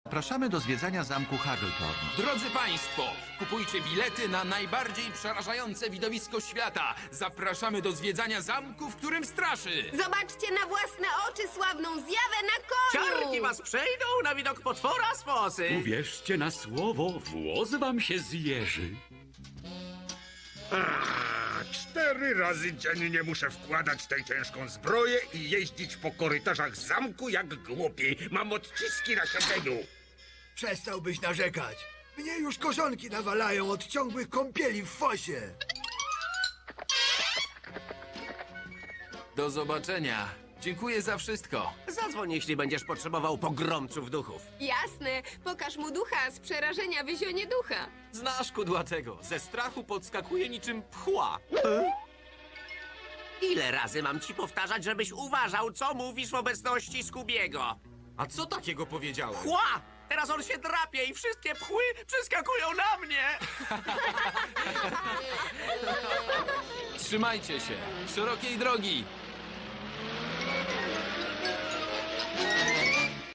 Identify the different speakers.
Speaker 1: Zapraszamy do zwiedzania zamku Hageltorn.
Speaker 2: Drodzy Państwo, kupujcie bilety na najbardziej przerażające widowisko świata. Zapraszamy do zwiedzania zamku, w którym straszy.
Speaker 3: Zobaczcie na własne oczy sławną zjawę na koniu!
Speaker 4: Ciarki was przejdą na widok potwora z fosy.
Speaker 5: Uwierzcie na słowo, włos wam się zjeży.
Speaker 6: 4 razy dziennie muszę wkładać tę ciężką zbroję i jeździć po korytarzach zamku jak głupi. Mam odciski na siedzeniu.
Speaker 7: Przestałbyś narzekać. Mnie już korzonki nawalają od ciągłych kąpieli w fosie.
Speaker 2: Do zobaczenia. Dziękuję za wszystko.
Speaker 4: Zadzwoń, jeśli będziesz potrzebował pogromców duchów.
Speaker 3: Jasne, pokaż mu ducha, z przerażenia wyzionie ducha.
Speaker 2: Znasz kudłatego. Ze strachu podskakuje niczym pchła.
Speaker 4: Ile razy mam ci powtarzać, żebyś uważał, co mówisz w obecności Skubiego?
Speaker 2: A co takiego powiedziałem?
Speaker 4: Pchła! Teraz on się drapie i wszystkie pchły przeskakują na mnie!
Speaker 2: Trzymajcie się. Szerokiej drogi.